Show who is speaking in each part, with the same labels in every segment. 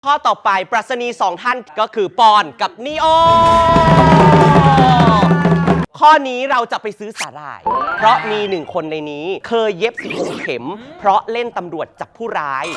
Speaker 1: ข้อต่อไปปรัชนี2ท่านก็คือปอนกับนีโอข้อนี้เราจะไปซื้อสาหร่ายเพราะมี1คนในนี้เคยเย็บ16 เข็มเพราะเล่นตำรวจจับผู้ร้าย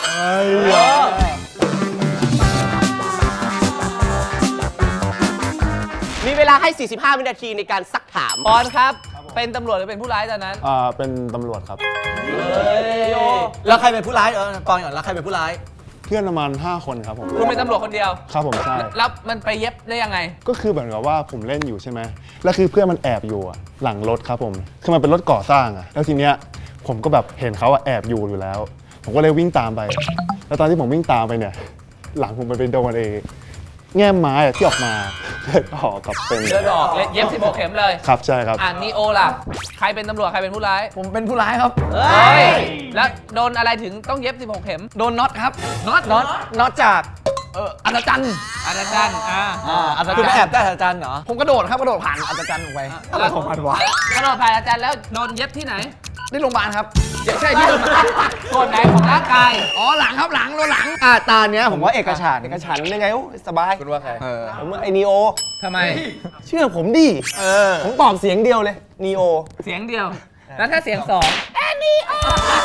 Speaker 1: มีเวลาให้45 วินาทีในการซักถาม
Speaker 2: ปอนครับเป็นตำรวจหรือเป็นผู้ร้ายตอนนั้น
Speaker 3: เป็นตำรวจครับ
Speaker 4: แล้วใครเป็นผู้ร้ายปอนก่อนแล้วใครเป็นผู้ร้าย
Speaker 3: เพื่อนประมาณ5 คนครับผม
Speaker 2: คุณเป็นตำรวจคนเดียว
Speaker 3: ครับผมใช่
Speaker 2: แล้วมันไปเย็บได้ยังไง
Speaker 3: ก็คือเหมือนกับว่าผมเล่นอยู่ใช่ไหมแล้วคือเพื่อนมันแอบอยู่หลังรถครับผมคือมันเป็นรถก่อสร้างแล้วทีเนี้ยผมก็แบบเห็นเขาแอบอยู่แล้วผมก็เลยวิ่งตามไปแล้วตอนที่ผมวิ่งตามไปเนี่ยหลังผมไปโดนแง่ไม้ที่ออกมาเลือดออกกับเป็น
Speaker 2: เลือดออกเย็บ16 เข็มเลย
Speaker 3: ครับใช่ครับ
Speaker 2: นีโอล่ะใครเป็นตำรวจใครเป็นผู้ร้าย
Speaker 4: ผมเป็นผู้ร้ายครับ
Speaker 2: แล้วโดนอะไรถึงต้องเย็บ16 เข็ม
Speaker 4: โดนน็อตครับ
Speaker 2: น็
Speaker 4: อตจากอัศจรรย์คือไปแอบได้อัศจรรย์เหรอผมกระโดดผ่านอัศจรรย์ออกไป
Speaker 2: อะไรของมันวะกระโดดผ่านอัศจรรย์แล้วโดนเย็บที่ไหน
Speaker 4: ที่โรงพยาบาลครับ
Speaker 2: ใช่ที่ส่วนไหนของร่างกาย
Speaker 4: หลังครับหลังตาเนี้ยผมว่าเอกฉันยังไงสบาย
Speaker 2: คุณว่าใคร
Speaker 4: ผมว่าไอนีโอ
Speaker 2: ทำไม
Speaker 4: เชื่อผมดิผมตอบเสียงเดียวเลยนีโอ
Speaker 2: เสียงเดียวแล้วถ้าเสียง2นีโอ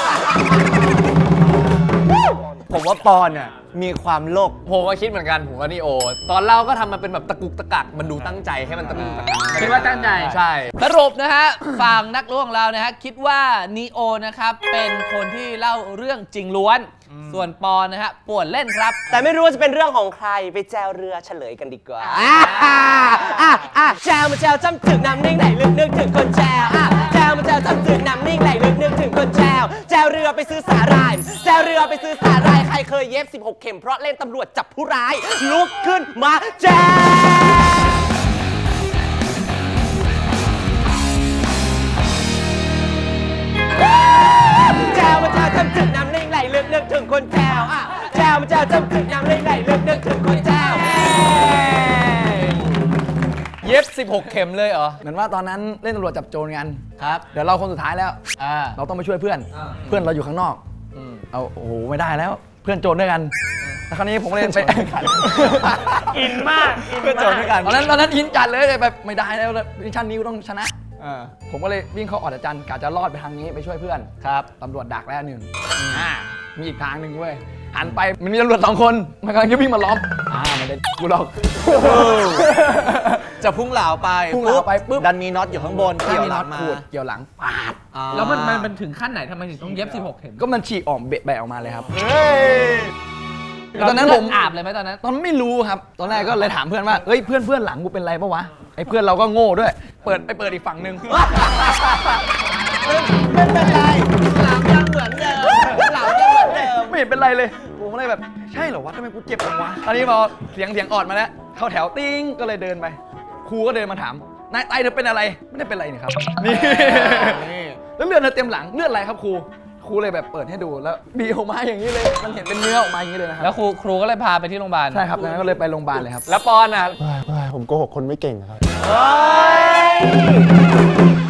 Speaker 4: ผมว่าปอนเนี่ยมีความโลภ
Speaker 2: ผมว่าคิดเหมือนกันผมว่านีโอตอนเล่าก็ทำมาเป็นแบบตะกุกตะกักมันดูตั้งใจให้มันตะกุกตะกักคิดว่าตั้งใจ
Speaker 4: ใช่
Speaker 2: สรุปนะฮะฝั่งนักล่วงเรานะฮะคิดว่านีโอนะครับเป็นคนที่เล่าเรื่องจริงล้วนส่วนปอนนะฮะป่วนเล่นครับ
Speaker 1: แต่ไม่รู้ว่าจะเป็นเรื่องของใครไปแจวเรือเฉลยกันดีกว่าแจวมาแจวจำถึงน้ำนิ่งไหลลึกนึกถึงคนแจวแจวมาแจวจำถึงน้ำนิ่งไหลลึกนึกถึงคนแจวแจวเรือไปซื้อสาหร่ายแจวเรือไปซื้อสาหร่ายใครเคยเย็บ16 เข็มเพราะเล่นตำรวจจับผู้ร้ายลุกขึ้นมาแจวแจวมาแจวจำถึงน้ำนิ่งไหลลึกนึกถึงคนแจวแจวมาแจวจำถึงน้ำนิ่งไหลลึกนึกถึงคนแจว
Speaker 2: เย็บ16 เข็มเลยเหรอ
Speaker 4: เหมือนว่าตอนนั้นเล่นตำรวจจับโจรกันครับเดี๋ยวเราคนสุดท้ายแล้วเราต้องไปช่วยเพื่อนเราอยู่ข้างนอกโอ้โหไม่ได้แล้วเพื่อนโจรด้วยกันแต่คราวนี้ผมเล่นไป
Speaker 2: อินมาก
Speaker 4: เพื่อนโจรด้วยกันตอนนั้นอินจัดเลยแบบไม่ได้แล้วมิชชั่นนี้ก็ต้องชนะผมก็เลยวิ่งเข้าออดจันกะจะรอดไปทางนี้ไปช่วยเพื่อนครับตำรวจดักแล้ว1มีอีกทางหนึ่งเว้ยหันไปมันมีตำรวจ2 คนมันกำลังจะวิ่งมาล้อมไม่ได้กูหรอกจะพุ่งเหลาไปปุ๊บดันมีน็อตอยู่ข้างบนเกี่ยวหลังมาเกี่ยวหลังปาด
Speaker 2: แล้วมันถึงขั้นไหนทำไมถึงต้องเย็บ16 เข็ม
Speaker 4: ก็มันฉีกออกแบะออกมาเลยครับ
Speaker 2: ตอนนั้นผมอาบเลยไหมตอนนั้น
Speaker 4: ไม่รู้ครับตอนแรกก็เลยถามเพื่อนว่าเฮ้ยเพื่อนหลังกูเป็นไรปะวะไอ้เพื่อนเราก็โง่ด้วยเปิดอีกฝั่งนึง
Speaker 1: ไม่เป็นไรหลังยังเหมือนเดิม
Speaker 4: ไม่เห็นเป็นไรเลยผมเลยแบบใช่เหรอวะทำไมกูเจ็บจังวะตอนนี้พอเสียงออดมาแล้วเข้าแถวติ้งก็เลยเดินไปครูก็เดินมาถามนายไตเธอเป็นอะไรไม่ได้เป็นไรนี่ครับนี่แล้วเลือดเต็มหลังเลือดอะไรครับครูเลยแบบเปิดให้ดูแล้วบีออกมาอย่างนี้เลยมันเห็นเป็นเนื้อออกมาอย่างนี้เลยนะครับ
Speaker 2: แล้วครูก็เลยพาไปที่โรงพยาบาล
Speaker 4: ใช่ครับแล้วก็เลยไปโรงพยาบาลเลยครับ
Speaker 2: แล้วปอนอ่ะ
Speaker 3: ผมโกหกคนไม่เก่งครับ